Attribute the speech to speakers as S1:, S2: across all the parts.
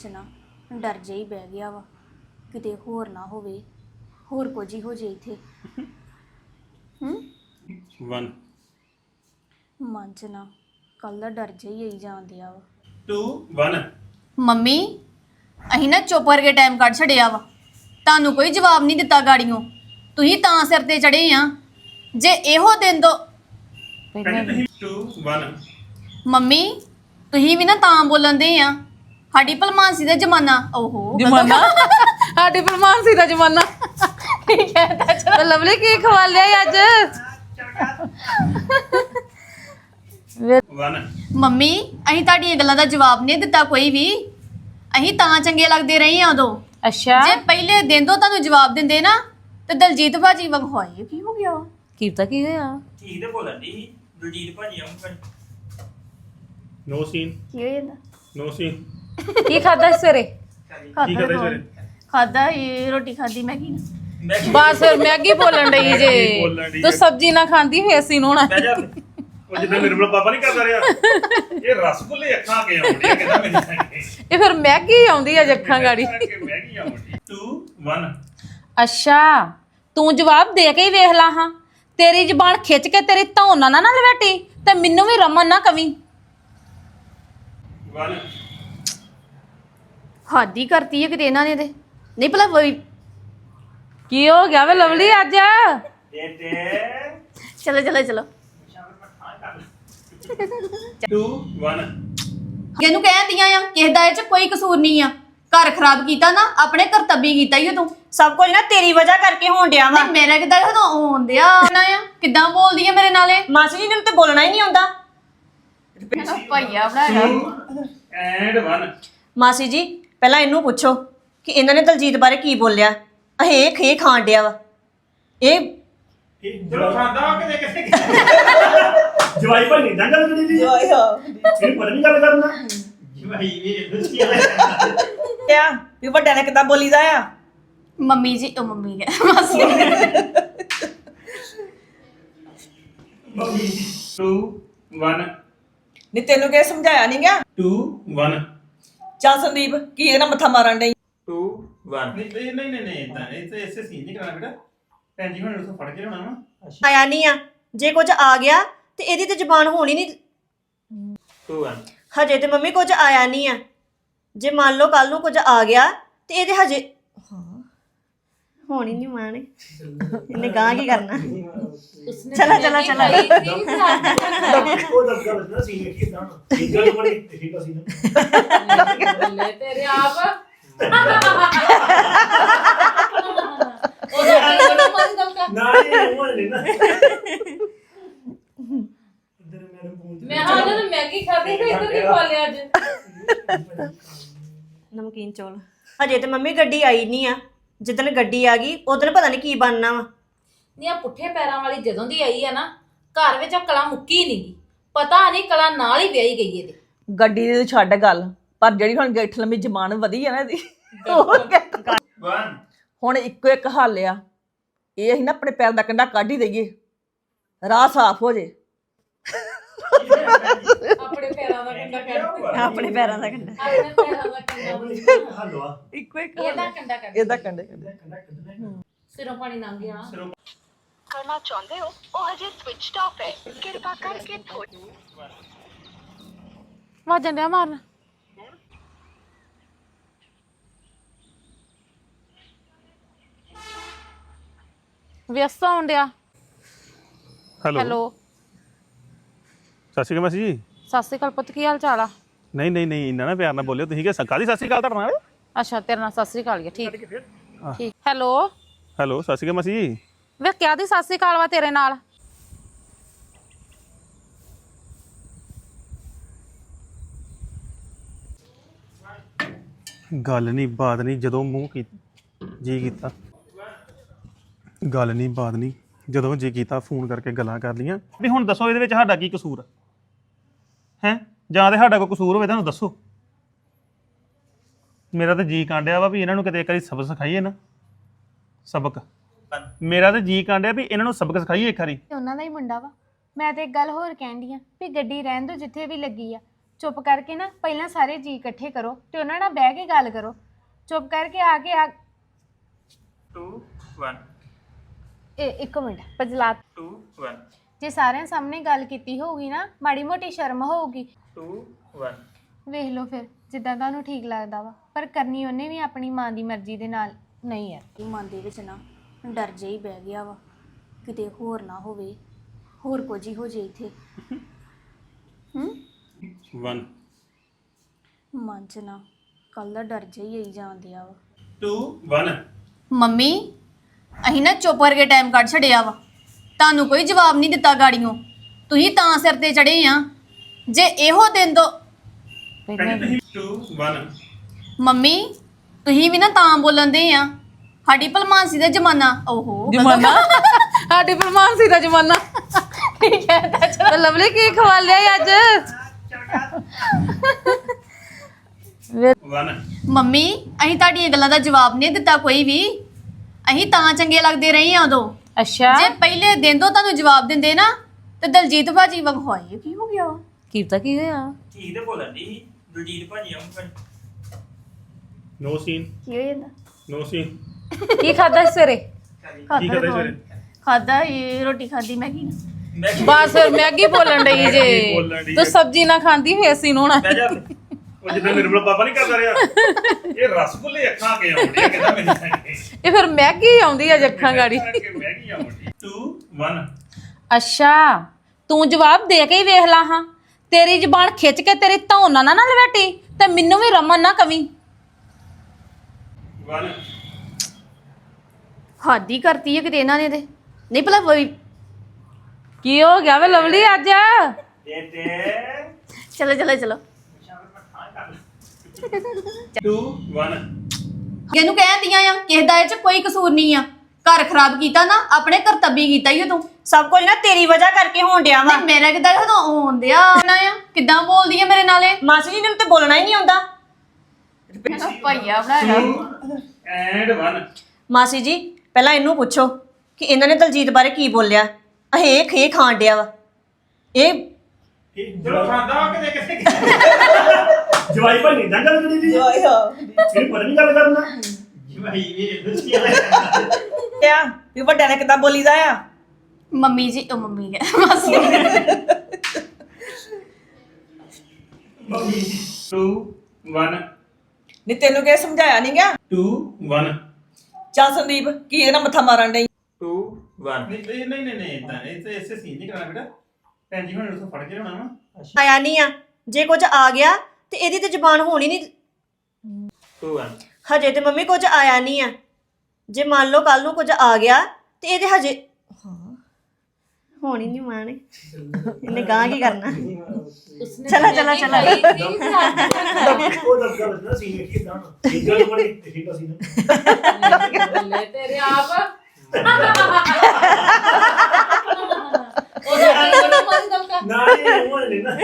S1: ਨਾ ਡਰ ਜਿਹਾ ਹੀ ਬਹਿ ਗਿਆ ਵਾ ਕਿਤੇ ਹੋਰ ਨਾ ਹੋਵੇ ਹੋਰ ਕੁਝ ਹੀ ਹੋ ਜੇ ਇੱਥੇ
S2: 1
S1: ਮਨ ਚ ਨਾ ਕੱਲ ਦਾ ਡਰ ਜਿਹਾ ਹੀ ਆਈ ਜਾਂਦਿਆ ਵਾ
S2: 2 1
S1: ਮੰਮੀ ਅਹੀਂ ਨਾ ਚੁੱਪ ਕਰਕੇ ਟਾਈਮ ਕੱਢ ਛੜਿਆ ਵਾ ਤੁਹਾਨੂੰ ਕੋਈ ਜਵਾਬ ਨਹੀਂ ਦਿੱਤਾ ਗਾੜੀਆਂ ਤੁਸੀਂ ਤਾਂ ਸਿਰ ਤੇ ਚੜੇ ਆ ਜੇ ਇਹੋ ਦਿਨ ਦੋ
S2: 2 1
S1: ਮੰਮੀ ਤੁਸੀਂ ਵੀ ਨਾ ਤਾਂ ਬੋਲਣ ਦੇ ਆ ਸਾਡੀ ਭਲਮਾਨਸੀ ਦਾ ਜ਼ਮਾਨਾ ਓਹੋ
S3: ਜਮਾਨਾ ਸਾਡੀ ਫਰਮਾਨਸੀ ਦਾ ਜਮਾਨਾ
S1: ਠੀਕ ਹੈ ਤਾਂ ਚਲੋ।
S3: ਤੇ ਲਵਲੀ ਕੀ ਖਵਾ ਲਿਆ ਈ ਅੱਜ
S2: 1
S1: ਮੰਮੀ ਅਸੀਂ ਤੁਹਾਡੀਆਂ ਗੱਲਾਂ ਦਾ ਜਵਾਬ ਨਹੀਂ ਦਿੱਤਾ ਕੋਈ ਵੀ ਅਸੀਂ ਤਾਂ ਚੰਗੇ ਲੱਗਦੇ ਰਹੇ ਆ ਉਦੋਂ
S3: ਅੱਛਾ
S1: ਜੇ ਪਹਿਲੇ ਦਿਨ ਤੋਂ ਤੁਹਾਨੂੰ ਜਵਾਬ ਦਿੰਦੇ ਨਾ ਤੇ ਦਲਜੀਤ ਭਾਜੀ ਵਾਂਗ ਹੋਏ ਕੀ ਹੋ ਗਿਆ
S3: ਕੀਤਾ ਕੀ ਹੋਇਆ
S4: ਠੀਕ ਤੇ ਬੋਲਣ ਦੀ ਦਲਜੀਤ ਭਾਜੀ ਆਉਂ
S2: ਨੋ ਸੀਨ
S1: ਕੀ ਹੋ ਜਾਂਦਾ
S2: ਨੋ ਸੀਨ
S3: ਕੀ ਖਾਦਾ ਸਵੇਰੇ
S2: ਕੀ ਕਰਦੇ ਸਵੇਰੇ
S1: ਖਾਦਾ ਇਹ ਰੋਟੀ ਖਾਦੀ ਮੈਂ ਕੀ
S3: ਬਸ ਫਿਰ ਮੈਗੀ ਬੋਲਣ ਡਈ
S2: ਬੋਲਣ ਡਈ
S3: ਜੇ ਤੂੰ ਸਬਜ਼ੀ ਨਾ ਖਾਂਦੀ ਫੇਰ ਸੀ ਹੋਣਾ
S4: ਬਹਿ ਜਾ
S2: ਉਹ ਜਿੱਦਾਂ ਨਿਰਮਲ ਪਾਪਾ ਨਹੀਂ ਕਰਦਾ ਰਿਹਾ ਇਹ ਰਸਗੁੱਲੇ ਅੱਖਾਂ ਕੇ ਆਉਂਦੇ ਕਹਿੰਦਾ ਮੈਨੂੰ
S3: ਇਹ ਫਿਰ ਮੈਗੀ ਆਉਂਦੀ ਆ ਜੱਖਾਂ ਗਾੜੀ
S2: ਮੈਗੀ ਆਉਂਦੀ 2 1
S3: ਅੱਛਾ ਤੂੰ ਜਵਾਬ ਦੇ ਕੇ ਹੀ ਵੇਖ ਲਾ ਹਾਂ ਤੇਰੀ ਜ਼ਬਾਨ ਖਿੱਚ ਕੇ ਤੇਰੀ ਧੌਣ ਨਾ ਲਵੇਟੀ ਤੇ ਮੈਨੂੰ ਵੀ ਰਮਨ ਨਾ ਕਵੀ
S2: 1
S1: ਹਾਦੀ ਕਰਤੀ ਹੈ ਕਿਤੇ ਇਹਨਾਂ ਨੇ ਤੇ ਨਹੀਂ ਭਲਾ
S3: ਕੀ ਹੋ ਗਿਆ ਵੇ ਲਵਲੀ ਅੱਜ
S4: ਦੇ ਦੇ
S1: ਚਲੋ ਚਲੋ ਚਲੋ
S2: 2 1
S1: ਇਹਨੂੰ ਕਹਿੰਦੀਆਂ ਆ ਕਿਸੇ ਦਾ ਇਹ ਚ ਕੋਈ ਕਸੂਰ ਨਹੀਂ ਆ ਘਰ ਖਰਾਬ ਕੀਤਾ ਨਾ ਆਪਣੇ ਕਰਤੱਬੀ ਕੀਤਾ ਹੀ ਤੂੰ
S5: ਸਭ ਕੁਝ ਨਾ ਤੇਰੀ ਵਜ੍ਹਾ ਕਰਕੇ ਹੋਣ ਡਿਆ ਵਾ
S1: ਨਹੀਂ ਮੇਰਾ ਕਿਦਾਂ ਜਦੋਂ ਆਉਂਦੇ ਆ ਕਿਦਾਂ ਬੋਲਦੀ ਆ ਮੇਰੇ ਨਾਲੇ
S5: ਮਾਸੀ ਜੀ ਨੂੰ ਤੇ ਬੋਲਣਾ ਹੀ ਨਹੀਂ ਆਉਂਦਾ
S1: ਭਾਈਆ ਬਣਾਇਆ
S2: ਐਂਡ 1
S5: ਮਾਸੀ ਜੀ ਪਹਿਲਾਂ ਇਹਨੂੰ ਪੁੱਛੋ ਕਿ ਇਹਨਾਂ ਨੇ ਦਲਜੀਤ ਬਾਰੇ ਕੀ ਬੋਲਿਆ ਇਹ ਖੇ ਖਾਣ ਡਿਆ ਵਾ ਇਹ
S4: ਚਲੋ ਖਾਂਦਾ ਕਿਤੇ ਕਿਤੇ
S2: ਜਵਾਈ ਭਾਈ ਨਹੀਂ ਗੱਲ ਕਰੀ ਦੀ ਇਹ ਪਤਾ ਨਹੀਂ ਗੱਲ ਕਰਨਾ
S4: ਜਵਾਈ ਵੀ ਦੱਸੀ
S5: ਆ ਵੀ ਵੱਡਿਆਂ ਨੇ ਕਿੱਦਾਂ ਬੋਲੀਦਾ ਆ
S1: ਮੰਮੀ ਜੀ ਉਹ ਮੰਮੀ ਗਿਆ ਮਾਸੀ
S2: 2 1
S5: ਨਹੀਂ ਤੈਨੂੰ ਕਿਹ ਸਮਝਾਇਆ ਨਹੀਂ ਗਿਆ
S2: 2 1
S5: ਚੱਲ ਸੰਦੀਪ ਕੀ ਇਹਦਾ ਮੱਥਾ ਮਾਰਨ ਡਈ
S4: 2 1
S2: ਨਹੀਂ ਨਹੀਂ ਨਹੀਂ ਨਹੀਂ ਤਾਂ ਇਹ ਤੇ ਐਸੇ ਸੀਨ ਨਹੀਂ ਕਰਨਾ ਬੇਟਾ ਭੈਣ ਜੀ ਹੁਣ ਉਸੋਂ ਫੜ ਕੇ ਲਿਆਉਣਾ ਵਾ
S5: ਆਇਆ ਨਹੀਂ ਆ ਜੇ ਕੁਝ ਆ ਗਿਆ ਤੇ ਇਹਦੀ ਤੇ ਜ਼ਬਾਨ ਹੋਣੀ ਨਹੀਂ
S4: 2 1
S5: ਹਜੇ ਤੇ ਮੰਮੀ ਕੁਝ ਆਇਆ ਨਹੀਂ ਆ ਜੇ ਮੰਨ ਲਓ ਕੱਲ ਨੂੰ ਕੁਝ ਆ ਗਿਆ ਤੇ ਇਹਦੇ ਹਜੇ ਹੋਣੀ ਨਹੀਂ ਮਾਣੇ ਇਹਨੇ ਗਾਂ ਕੀ ਕਰਨਾ ਚਲਾ ਚਲਾ ਚਲਾ
S2: ਉਹ ਦੱਸ ਗੱਲ ਨਾ ਸੀਨ ਵੇਖੀ ਤਾਂ ਠੀਕ ਗੱਲ ਬਣੀ ਠੀਕ ਸੀ ਨਾ
S3: ਤੇਰੇ ਆਪ
S2: ਨਾ ਇਹ ਉਹ ਨਹੀਂ ਨਾ ਇਧਰ ਮੇਰੇ ਫੋਨ
S3: ਮੈਂ ਹਾਂ ਜਦੋਂ ਮੈਗੀ ਖਾਦੀ ਤੇ ਇੱਧਰ ਕੀ ਖਾ ਲਿਆ ਅੱਜ
S5: ਨਮਕੀਨ ਚੌਲ ਹਜੇ ਤੇ ਮੰਮੀ ਗੱਡੀ ਆਈ ਨਹੀਂ ਆ ਜਿੱਦਣ ਗੱਡੀ ਆ ਗਈ ਉਦੋਂ ਪਤਾ ਨਹੀਂ ਕੀ ਬਣਨਾ ਵਾ
S3: ਨੀ ਆ ਪੁੱਠੇ ਪੈਰਾਂ ਵਾਲੀ ਜਦੋਂ ਦੀ ਆਈ ਆ ਨਾ ਘਰ ਵਿੱਚ ਆ ਕਲਾ ਮੁੱਕੀ ਨਹੀਂਗੀ ਪਤਾ ਨਹੀਂ ਕਲਾ ਨਾਲ ਹੀ ਵਿਆਹੀ ਗਈ ਇਹਦੇ
S6: ਗੱਡੀ ਦੀ ਛੱਡ ਗੱਲ ਪਰ ਜਿਹੜੀ ਹੁਣ ਗਿੱਠ ਲੰਮੀ ਜ਼ਬਾਨ ਵਧੀ ਆ ਨਾ ਇਹਦੀ
S4: 1
S6: ਹੁਣ ਇੱਕੋ ਇੱਕ ਹੱਲ ਆ ਇਹ ਅਸੀਂ ਨਾ ਆਪਣੇ ਪੈਰ ਦਾ ਕੰਡਾ ਕੱਢ ਹੀ ਦਈਏ ਰਾਹ ਸਾਫ਼ ਹੋ ਜੇ
S3: ਆਪਣੇ ਪੈਰਾਂ ਦਾ ਕੰਡਾ ਕੱਢ
S5: ਆਪਣੇ ਪੈਰਾਂ ਦਾ ਕੰਡਾ
S3: ਆਪਣੇ ਪੈਰਾਂ ਦਾ ਕੰਡਾ
S2: ਹਲਵਾ
S6: ਇੱਕੋ ਇੱਕ
S3: ਇਹਦਾ ਕੰਡਾ ਕੱਢ
S6: ਇਹਦਾ ਕੰਡੇ
S3: ਸਿਰੋਂ ਪਾਣੀ ਲੰਘ ਗਿਆ
S7: ਕਰਨਾ ਚਾਹੁੰਦੇ ਹੋ ਉਹ ਹਜੇ ਸਵਿਚਡ ਆਫ ਹੈ ਕਿਰਪਾ ਕਰਕੇ
S3: ਵਾਜਣ ਡਿਆ ਮਾਰਨ ਵਿਅਸਤ ਹੋਣ ਡਿਆ ਹੈਲੋ
S2: ਸਤਿ ਸ਼੍ਰੀ ਅਕਾਲ ਮਾਸੀ ਜੀ
S3: ਸਤਿ ਸ਼੍ਰੀ ਅਕਾਲ ਪੁੱਤ ਕੀ ਹਾਲ ਚਾਲ ਆ
S2: ਨਹੀਂ ਨਹੀਂ ਨਹੀਂ ਇੰਨਾ ਨਾ ਪਿਆਰ ਨਾਲ ਬੋਲਿਓ ਤੁਸੀਂ ਕਿ ਕਾਹਦੀ ਸਤਿ ਸ਼੍ਰੀ ਅਕਾਲ ਤੁਹਾਡੇ ਨਾਲ
S3: ਅੱਛਾ ਤੇਰੇ ਨਾਲ ਸਤਿ ਸ਼੍ਰੀ ਅਕਾਲ ਹੀ ਆ, ਠੀਕ ਠੀਕ ਹੈਲੋ
S2: ਹੈਲੋ ਸਤਿ ਸ਼੍ਰੀ ਅਕਾਲ ਮਾਸੀ ਜੀ
S3: ਵੇ ਕਿਆ ਦੀ ਸਤਿ ਸ਼੍ਰੀ ਅਕਾਲ ਵਾ ਤੇਰੇ ਨਾਲ
S2: ਗੱਲ ਨਹੀਂ ਬਾਤ ਨਹੀਂ ਜਦੋਂ ਮੂੰਹ ਕੀ ਜੀ ਕੀਤਾ ਗੱਲ ਨਹੀਂ ਬਾਤ ਨਹੀਂ ਜਦੋਂ ਜੀ ਕੀਤਾ ਫੋਨ ਕਰਕੇ ਗੱਲਾਂ ਕਰ ਲੀਆਂ ਵੀ ਹੁਣ ਦੱਸੋ ਇਹਦੇ ਵਿੱਚ ਸਾਡਾ ਕੀ ਕਸੂਰ ਹੈ ਜਾਂ ਤੇ ਸਾਡਾ ਕੋਈ ਕਸੂਰ ਹੋਵੇ ਤੁਹਾਨੂੰ ਦੱਸੋ ਮੇਰਾ ਤਾਂ ਜੀ ਕਾਂਡਿਆ ਵਾ ਵੀ ਇਹਨਾਂ ਨੂੰ ਕਿਤੇ ਇੱਕ ਵਾਰੀ ਸਬਕ ਸਿਖਾਈਏ ਨਾ ਸਬਕ ਮੇਰਾ ਤਾਂ ਜੀ ਕਾਂਡਿਆ ਵੀ ਇਹਨਾਂ ਨੂੰ ਸਬਕ ਸਿਖਾਈਏ ਇੱਕ ਵਾਰੀ
S8: ਉਹਨਾਂ ਦਾ ਹੀ ਮੁੰਡਾ ਵਾ ਮੈਂ ਤੇ ਇੱਕ ਗੱਲ ਹੋਰ ਕਹਿੰਦੀ ਆ ਵੀ ਗੱਡੀ ਰਹਿਣ ਦੋ ਜਿੱਥੇ ਵੀ ਲੱਗੀ ਆ ਚੁੱਪ ਕਰਕੇ ਨਾ ਪਹਿਲਾਂ ਸਾਰੇ ਜੀ ਇਕੱਠੇ ਕਰੋ ਤੇ ਉਹਨਾਂ ਨਾਲ ਬਹਿ ਕੇ ਗੱਲ ਕਰੋ। ਚੁੱਪ ਕਰਕੇ ਆ ਕੇ
S4: 2 1
S8: ਇੱਕ ਮਿੰਟ ਪਜਲਾ
S4: 2 1
S8: ਜੇ ਸਾਰਿਆਂ ਸਾਹਮਣੇ ਗੱਲ ਕੀਤੀ ਹੋਊਗੀ ਨਾ ਮਾੜੀ ਮੋਟੀ ਸ਼ਰਮ ਹੋਊਗੀ।
S4: 2 1
S8: ਵੇਖ ਲਓ ਫਿਰ ਜਿੱਦਾਂ ਤੁਹਾਨੂੰ ਠੀਕ ਲੱਗਦਾ ਵਾ, ਪਰ ਕਰਨੀ ਉਹਨੇ ਵੀ ਆਪਣੀ ਮਾਂ ਦੀ ਮਰਜ਼ੀ ਦੇ ਨਾਲ।
S1: ਨਹੀਂ ਯਾਰ ਕਿ ਮਨ ਦੇ ਵਿੱਚ ਨਾ ਡਰ ਜਿਹਾ ਹੀ ਬਹਿ ਗਿਆ ਵਾ, ਕਿਤੇ ਹੋਰ ਨਾ ਹੋਵੇ, ਹੋਰ ਕੁਝ ਹੀ ਹੋ ਜੇ ਇੱਥੇ।
S2: 1
S1: ਮਨ 'ਚ ਨਾ ਕੱਲ ਦਾ ਡਰ ਜਿਹਾ ਹੀ ਆਈ ਜਾਂਦਿਆ ਵਾ।
S4: 2 1
S1: ਮੰਮੀ ਅਸੀਂ ਨਾ ਚੁੱਪ ਕਰਕੇ ਟਾਈਮ ਕੱਢ ਛੜਿਆ ਵਾ, ਤੁਹਾਨੂੰ ਕੋਈ ਜਵਾਬ ਨਹੀਂ ਦਿੱਤਾ ਗਾੜੀਆਂ, ਤੁਸੀਂ ਤਾਂ ਸਿਰ ਤੇ ਚੜੇ ਆ। ਜੇ ਇਹੋ ਦਿਨ ਤੋਂ
S4: 2 1
S1: ਮੰਮੀ ਤੁਸੀਂ ਵੀ ਨਾ ਤਾਂ ਬੋਲਣ ਦੇ ਆ, ਸਾਡੀ ਭਲਮਾਨਸੀ ਦਾ ਜ਼ਮਾਨਾ। ਓਹੋ
S3: ਜਮਾਨਾ ਸਾਡੀ ਪਰਮਾਨਸੀ ਦਾ ਜਮਾਨਾ ਠੀਕ ਹੈ ਤਾਂ ਲਵਲੀ ਕੀ ਖਵਾ ਲਿਆ ਈ ਅੱਜ
S4: 1
S1: ਮੰਮੀ ਅਸੀਂ ਤੁਹਾਡੀਆਂ ਗੱਲਾਂ ਦਾ ਜਵਾਬ ਨਹੀਂ ਦਿੱਤਾ ਕੋਈ ਵੀ, ਅਸੀਂ ਤਾਂ ਚੰਗੇ ਲੱਗਦੇ ਰਹੇ ਆ ਉਦੋਂ।
S3: ਅੱਛਾ
S1: ਜੇ ਪਹਿਲੇ ਦਿਨ ਤੋਂ ਤੁਹਾਨੂੰ ਜਵਾਬ ਦਿੰਦੇ ਨਾ ਤੇ ਦਲਜੀਤ ਭਾਜੀ ਵਾਂਗ ਹੋਏ ਕੀ ਹੋ ਗਿਆ ਵਾ?
S3: ਕੀਤਾ ਕੀ ਹੋਇਆ
S4: ਠੀਕ ਤੇ ਬੋਲਣ ਦੀ ਦਲਜੀਤ ਭਾਜੀ ਆਉਂ
S2: ਨੋ ਸੀਨ
S1: ਕੀ ਹੋ ਜਾਂਦਾ?
S2: ਨੋ ਸੀਨ
S3: ਕੀ ਖਾਦਾ ਸਵੇਰੇ
S2: ਕੀ ਕਰਦੇ ਸਵੇਰੇ
S1: ਖਾਦਾ ਇਹ ਰੋਟੀ ਖਾਦੀ ਮੈਗੀ ਨਾਲ।
S4: ਮੈਂ
S3: ਬਸ ਮੈਗੀ ਬੋਲਣ ਡਈ
S2: ਬੋਲਣ ਡਈ
S3: ਜੇ ਤੂੰ ਸਬਜ਼ੀ ਨਾ ਖਾਂਦੀ ਫੇਰ ਅਸੀਂ ਨੂੰ ਹੋਣਾ
S4: ਬਹਿ ਜਾ
S2: ਉਹ ਜਿੱਦਾਂ ਮੇਰੇ ਕੋਲ ਪਾਪਾ ਨਹੀਂ ਕਰਦਾ ਰਿਹਾ ਇਹ ਰਸਗੁੱਲੇ ਅੱਖਾਂ ਕੇ ਆਉਂਦੇ ਆ ਕਹਿੰਦਾ ਮੈਨੂੰ ਖਾਣੇ
S3: ਇਹ ਫਿਰ ਮੈਗੀ ਆਉਂਦੀ ਆ ਅੱਖਾਂ ਗਾੜੀ
S4: ਮੈਗੀ ਆਉਂਦੀ 2 1
S3: ਅੱਛਾ ਤੂੰ ਜਵਾਬ ਦੇ ਕੇ ਹੀ ਵੇਖ ਲਾ ਹਾਂ ਤੇਰੀ ਜ਼ਬਾਨ ਖਿੱਚ ਕੇ ਤੇਰੀ ਧੌਣ ਨਾ ਲਵੇਟੀ ਤੇ ਮੈਨੂੰ ਵੀ ਰਮਨ ਨਾ ਕਵੀ
S4: 1
S1: ਹਾਦੀ ਕਰਤੀ ਹੈ ਕਿਤੇ ਇਹਨਾਂ ਨੇ ਤੇ ਨਹੀਂ ਭਲਾ
S3: ਕੀ ਹੋ ਗਿਆ ਵੇ ਲਵਲੀ ਅੱਜ
S4: ਤੇ
S1: ਚਲੋ ਚਲੋ ਚਲੋ
S4: 2 1
S1: ਇਹਨੂੰ ਕਹਿੰਦੀਆਂ ਆ ਕਿਸੇ ਦਾ ਇਹ ਚ ਕੋਈ ਕਸੂਰ ਨਹੀਂ ਆ, ਘਰ ਖਰਾਬ ਕੀਤਾ ਨਾ ਆਪਣੇ ਕਰਤੱਬੀ ਕੀਤਾ ਹੀ ਤੂੰ।
S5: ਸਭ ਕੁਝ ਨਾ ਤੇਰੀ ਵਜ੍ਹਾ ਕਰਕੇ ਹੋਣ ਡਿਆ ਵਾ।
S1: ਨਹੀਂ ਮੇਰਾ ਕਿਦਾਂ ਜਦੋਂ ਆਉਂਦਿਆ ਨਾ ਆ ਕਿਦਾਂ ਬੋਲਦੀ ਆ ਮੇਰੇ ਨਾਲੇ।
S5: ਮਾਸੀ ਜੀ ਨੂੰ ਤੇ ਬੋਲਣਾ ਹੀ ਨਹੀਂ ਆਉਂਦਾ।
S1: ਭਈਆ ਬਣਾਇਆ
S4: ਐਂਡ 1
S5: ਮਾਸੀ ਜੀ ਪਹਿਲਾਂ ਇਹਨੂੰ ਪੁੱਛੋ ਕਿ ਇਹਨਾਂ ਨੇ ਦਲਜੀਤ ਬਾਰੇ ਕੀ ਬੋਲਿਆ। ਇਹ ਖੇ ਖਾਣ ਡਿਆ ਵਾ। ਇਹ
S4: ਜਦੋਂ ਖਾਂਦਾ ਕਿਤੇ ਕਿਤੇ
S2: ਜਵਾਈ ਭਾਈ ਇਦਾਂ ਗੱਲ ਕਰੀ ਦੀ ਇਹ ਪਤਾ ਨਹੀਂ ਗੱਲ ਕਰਨਾ
S4: ਜਵਾਈ ਵੀ ਦੱਸੀ ਆ
S6: ਆ ਵੀ ਵੱਡਿਆਂ ਨੇ ਕਿੱਦਾਂ ਬੋਲੀਦਾ ਆ।
S1: ਮੰਮੀ ਜੀ ਉਹ ਮੰਮੀ ਹੈ ਮਾਸੀ
S4: 2 1
S6: ਨਹੀਂ ਤੈਨੂੰ ਕਿਹ ਸਮਝਾਇਆ ਨਹੀਂ ਗਿਆ।
S4: 2 1
S6: ਚੱਲ ਸੰਦੀਪ ਕੀ ਇਹਦੇ ਨਾਲ ਮੱਥਾ ਮਾਰਨ ਡਈ
S4: 2 1
S2: ਨਹੀਂ ਨਹੀਂ ਨਹੀਂ ਨਹੀਂ ਇਦਾਂ ਇਹ ਤੇ ਐਸੇ ਸੀਨ ਨਹੀਂ ਕਰਨਾ ਬੇਟਾ ਭੈਣ ਜੀ ਹੁਣ ਉਸੋਂ ਫੜ ਕੇ ਲਿਆਉਣਾ ਵਾ
S5: ਆਇਆ ਨਹੀਂ ਆ। ਜੇ ਕੁਝ ਆ ਗਿਆ ਤੇ ਇਹਦੀ ਤੇ ਜ਼ਬਾਨ ਹੋਣੀ ਨਹੀਂ।
S4: 2 1
S5: ਹਜੇ ਤੇ ਮੰਮੀ ਕੁਝ ਆਇਆ ਨਹੀਂ ਆ। ਜੇ ਮੰਨ ਲਓ ਕੱਲ ਨੂੰ ਕੁਝ ਆ ਗਿਆ ਤੇ ਇਹਦੇ ਹਜੇ ਹੋਣੀ ਨਹੀਂ ਮਾਣੇ ਇਹਨੇ ਗਾਂ ਕੀ ਕਰਨਾ। ਚਲੋ ਚਲੋ ਚਲੋ
S2: ਉਹ ਦੱਸਦਾ ਬਸਦਾ ਸੀਨ ਕਿਦਾਂ ਇਹ ਗੱਲ ਬੜੀ ਠੀਕ ਆ ਸੀਨ
S3: ਤੇਰੇ ਆਪ
S2: ਨਾ ਇਹ ਉਹ ਨਹੀਂ ਨਾ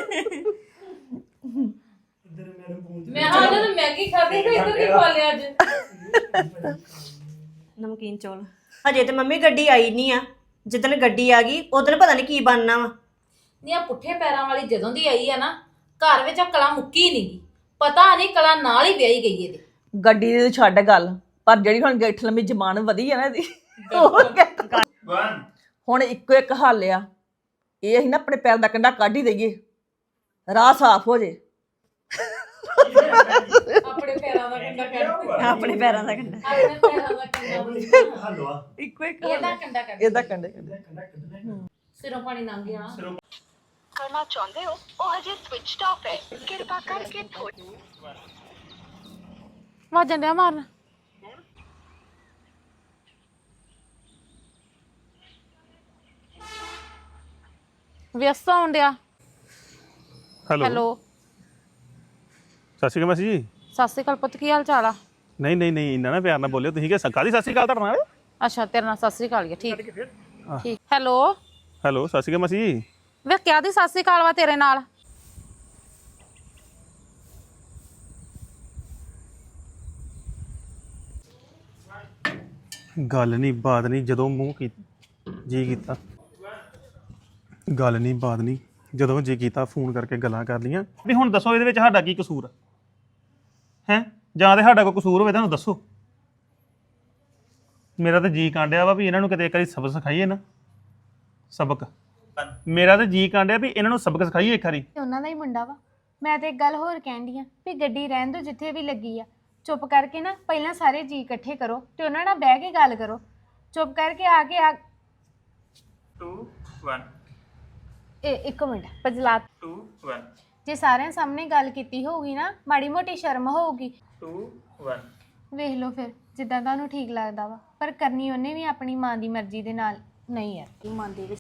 S3: ਮੈਂ ਹਾਂ ਉਹਨਾਂ ਨੂੰ ਮੈਗੀ ਖਾਦੀ ਤੇ ਇੱਧਰ ਕੀ ਖਾ ਲਿਆ ਅੱਜ
S5: ਨਮਕੀਨ ਚੌਲ। ਹਜੇ ਤੇ ਮੰਮੀ ਗੱਡੀ ਆਈ ਨਹੀਂ ਆ। ਜਿੱਦਣ ਗੱਡੀ ਆ ਗਈ ਉਦੋਂ ਪਤਾ ਨਹੀਂ ਕੀ ਬਣਨਾ ਵਾ।
S3: ਨੀ ਆ ਪੁੱਠੇ ਪੈਰਾਂ ਵਾਲੀ ਜਦੋਂ ਦੀ ਆਈ ਆ ਨਾ ਘਰ ਵਿੱਚ ਆ ਕਲਾ ਮੁੱਕੀ ਨਹੀਂ ਪਤਾ ਨਹੀਂ ਕਲਾ ਨਾਲ ਹੀ ਵਿਆਹੀ ਗਈ ਇਹਦੇ
S6: ਗੱਡੀ ਦੀ ਛੱਡ ਗੱਲ, ਪਰ ਜਿਹੜੀ ਹੁਣ ਗਿੱਠ ਲੰਮੀ ਜ਼ਬਾਨ ਵਧੀ ਆ ਨਾ ਇਹਦੀ
S4: 1
S6: ਹੁਣ ਇੱਕੋ ਇੱਕ ਹੱਲ ਆ। ਇਹ ਅਸੀਂ ਨਾ ਆਪਣੇ ਪੈਰ ਦਾ ਕੰਡਾ ਕੱਢ ਹੀ ਦਈਏ, ਰਾਹ ਸਾਫ਼ ਹੋ ਜੇ।
S3: ਆਪਣੇ ਪੈਰਾਂ ਦਾ ਕੰਡਾ ਕੱਢ
S5: ਆਪਣੇ ਪੈਰਾਂ ਦਾ ਕੰਡਾ।
S3: ਆਪਣੇ ਪੈਰਾਂ ਦਾ ਕੰਡਾ
S2: ਹਲਵਾ
S6: ਇੱਕੋ ਇੱਕ
S3: ਇਹਦਾ ਕੰਡਾ ਕੱਢ
S6: ਇਹਦਾ ਕੰਡੇ
S3: ਸਿਰੋਂ ਪਾਣੀ ਲੰਘ ਗਿਆ
S7: ਕਰਨਾ ਚਾਹੁੰਦੇ ਹੋ ਉਹ ਹਜੇ ਸਵਿਚਡ ਆਫ ਹੈ, ਕਿਰਪਾ ਕਰਕੇ ਥੋੜੀ
S8: ਵਾਜਣ ਡਿਆ ਮਾਰਨ। ਵਿਅਸਤ ਹੋਣ ਡਿਆ।
S2: ਹੈਲੋ
S8: ਹੈਲੋ
S2: ਸਤਿ ਸ਼੍ਰੀ ਅਕਾਲ ਮਾਸੀ ਜੀ।
S8: ਸਤਿ ਸ਼੍ਰੀ ਅਕਾਲ ਪੁੱਤ, ਕੀ ਹਾਲ ਚਾਲ ਆ?
S2: ਨਹੀਂ ਨਹੀਂ ਨਹੀਂ ਇੰਨਾ ਨਾ ਪਿਆਰ ਨਾਲ ਬੋਲਿਓ ਤੁਸੀਂ ਕਿ ਕਾਹਦੀ ਸਤਿ ਸ਼੍ਰੀ ਅਕਾਲ ਤੁਹਾਡੇ ਨਾਲ
S8: ਅੱਛਾ ਤੇਰੇ ਨਾਲ ਸਤਿ ਸ਼੍ਰੀ ਅਕਾਲ ਹੀ ਆ, ਠੀਕ ਠੀਕ। ਹੈਲੋ
S2: ਹੈਲੋ ਸਤਿ ਸ਼੍ਰੀ ਅਕਾਲ ਮਾਸੀ ਜੀ।
S8: ਵੇ ਕਿਆ ਦੀ ਸਤਿ ਸ਼੍ਰੀ ਅਕਾਲ ਵਾ ਤੇਰੇ ਨਾਲ?
S2: ਗੱਲ ਨਹੀਂ ਬਾਤ ਨਹੀਂ ਜਦੋਂ ਮੂੰਹ ਕੀ ਜੀ ਕੀਤਾ ਗੱਲ ਨਹੀਂ ਬਾਤ ਨਹੀਂ ਜਦੋਂ ਜੀ ਕੀਤਾ ਫੋਨ ਕਰਕੇ ਗੱਲਾਂ ਕਰ ਲੀਆਂ ਵੀ ਹੁਣ ਦੱਸੋ ਇਹਦੇ ਵਿੱਚ ਸਾਡਾ ਕੀ ਕਸੂਰ ਹੈ ਜਾਂ ਤੇ ਸਾਡਾ ਕੋਈ ਕਸੂਰ ਹੋਵੇ ਤੁਹਾਨੂੰ ਦੱਸੋ ਮੇਰਾ ਤਾਂ ਜੀ ਕਾਂਡਿਆ ਵਾ ਵੀ ਇਹਨਾਂ ਨੂੰ ਕਿਤੇ ਇੱਕ ਵਾਰੀ ਸਬਕ ਸਿਖਾਈਏ ਨਾ ਸਬਕ ਮੇਰਾ ਤਾਂ ਜੀ ਕਾਂਡਿਆ ਵੀ ਇਹਨਾਂ ਨੂੰ ਸਬਕ ਸਿਖਾਈਏ ਇੱਕ ਵਾਰੀ
S8: ਤੇ ਉਹਨਾਂ ਦਾ ਹੀ ਮੁੰਡਾ ਵਾ ਮੈਂ ਤੇ ਇੱਕ ਗੱਲ ਹੋਰ ਕਹਿੰਦੀ ਆ ਵੀ ਗੱਡੀ ਰਹਿਣ ਦਿਓ ਜਿੱਥੇ ਵੀ ਲੱਗੀ ਆ ਚੁੱਪ ਕਰਕੇ ਨਾ ਪਹਿਲਾਂ ਸਾਰੇ ਜੀ ਇਕੱਠੇ ਕਰੋ ਤੇ ਉਹਨਾਂ ਨਾਲ ਬਹਿ ਕੇ ਗੱਲ ਕਰੋ ਚੁੱਪ ਕਰਕੇ ਆ ਕੇ
S4: 2 1
S8: ਇੱਕ ਮਿੰਟ ਪਜਲਾ
S4: 2 1
S8: ਜੇ ਸਾਰਿਆਂ ਸਾਹਮਣੇ ਗੱਲ ਕੀਤੀ ਹੋਊਗੀ ਨਾ ਮਾੜੀ ਮੋਟੀ ਸ਼ਰਮ ਹੋਊਗੀ
S4: 2 1
S8: ਵੇਖ ਲਓ ਫਿਰ ਜਿੱਦਾਂ ਤੁਹਾਨੂੰ ਠੀਕ ਲੱਗਦਾ ਵਾ ਪਰ ਕਰਨੀ ਉਹਨੇ ਵੀ ਆਪਣੀ ਮਾਂ ਦੀ ਮਰਜ਼ੀ ਦੇ ਨਾਲ ਨਹੀਂ ਯਾਰ ਮਨ ਦੇ ਵਿੱਚ